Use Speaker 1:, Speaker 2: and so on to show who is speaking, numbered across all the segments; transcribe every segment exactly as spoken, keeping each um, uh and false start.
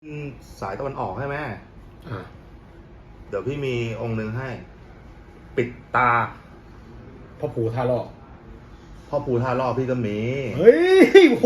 Speaker 1: สายตะวันออกใช่ไหม
Speaker 2: อ่า
Speaker 1: เดี๋ยวพี่มีองค์หนึ่งให้ ปิดตา
Speaker 2: พ่อปู่ท่าล่อ
Speaker 1: พ่อปู่ท่าล่อพี่ก็มี
Speaker 2: เฮ้ยโอ้โห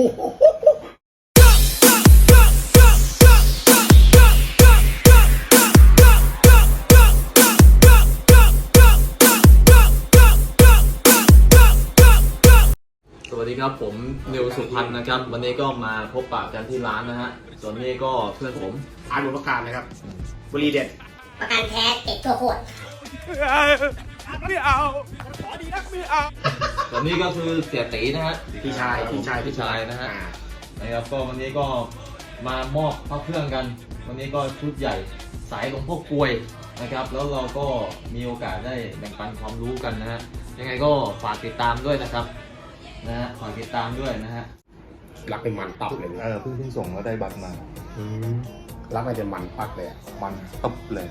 Speaker 3: สวัสดีครับผมนิวสุพันธ์นะครับวันนี้ก็มาพบปะกันที่ร้านนะฮะส่วนนี้ก็เพื่อนผม
Speaker 2: อาร์ตบุญประการนะครับบุรีเด็ด
Speaker 4: ประกันแท้ติดตัวขวด
Speaker 3: ไม่เอาขอดีนักไม่เอาส่วนนี้ก็คือเสียตีนะฮะ
Speaker 2: พี่ชายพี่ชาย
Speaker 3: พี่ชายนะฮะนะครับก็วันนี้ก็มามอบพระเครื่องกัน วันนี้ก็ชุดใหญ่สายหลวงพ่อกลวยนะครับแล้วเราก็มีโอกาสได้แบ่งปันความรู้กันนะฮะยังไงก็ฝากติดตามด้วยนะครับนะฮะฝากติดตามด้วยนะฮะ
Speaker 2: รักเป็นมันตับเลย
Speaker 1: เออเพิ่งเพิ่งส่งแล้วได้บัตรมา
Speaker 2: รักมันจะมันปักเลย
Speaker 1: มันตับเลย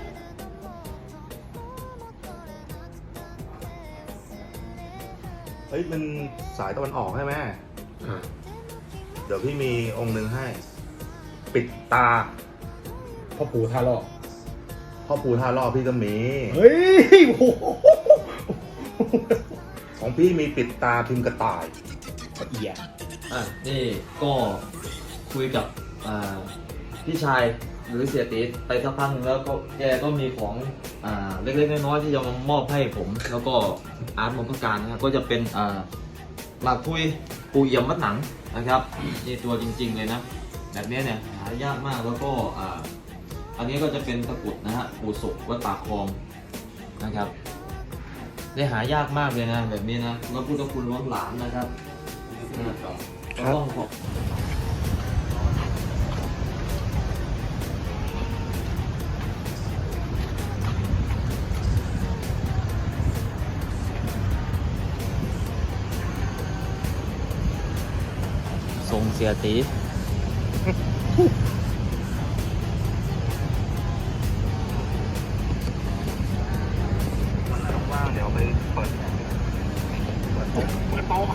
Speaker 1: เฮ้ยมันสายตะวันออกใช่ไหม
Speaker 2: อ่า
Speaker 1: เดี๋ยวพี่มีองค์หนึ่งให้ ปิดตา
Speaker 2: พ่อปู่ท่าล่อ
Speaker 1: พ่อปู่ท่าล่อพี่ก็มี
Speaker 2: เฮ้ยโอ้โห
Speaker 1: ของพี่มีปิดตาพิมพ์กระต่าย
Speaker 2: ละเอียด
Speaker 3: อ่ะนี่ก็คุยกับอ่าพี่ชายหรือเสียตีไปสักพักนึงแล้วก็แกก็มีของอ่าเล็กๆน้อยๆที่จะมามอบให้ผมแล้วก็อาร์ตมงคลการนะครับก็จะเป็นอ่าหลักคุยปูเอี่ยมวัดหนังนะครับนี่ตัวจริงๆเลยนะแบบนี้เนี่ยหายากมากแล้วก็อ่าอันนี้ก็จะเป็นตะกรุดนะฮะปูสุกวัดปากคลองนะครับได้หายากมากเลยนะแบบนี้นะแล้วพุทธคุณล้นหลามนะครับก็ต้องขอบทรงเสียตี
Speaker 1: ว่างเดี๋ยวไปเปิด
Speaker 2: เปิดโต๊ะเปิดโต๊ะ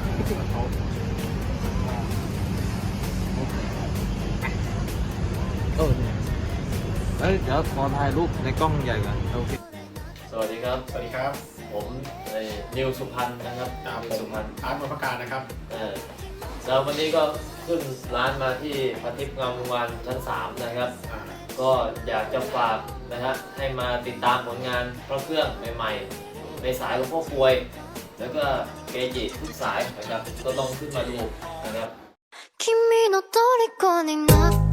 Speaker 3: เออเอ้ยเดี๋ยวขอถ่ายรูปในกล้องใหญ่ก่อนโอเคสวัสดีครับ
Speaker 2: สวัสดีครับ
Speaker 3: ผมนิวสุพันธ์นะครับ
Speaker 2: นิวสุพันธ์อาร์ตบุญประการนะครับ
Speaker 3: เออแล้ววันนี้ก็ขึ้นร้านมาที่พันทิพย์งามวงวานชั้นสามนะครับก็อยากจะฝากนะฮะให้มาติดตามผลงานพระเครื่องใหม่ๆในสายหลวงพ่อกลวยแล้วก็เกจิทุกสายนะครับก็ต้องขึ้นมาดูนะครับ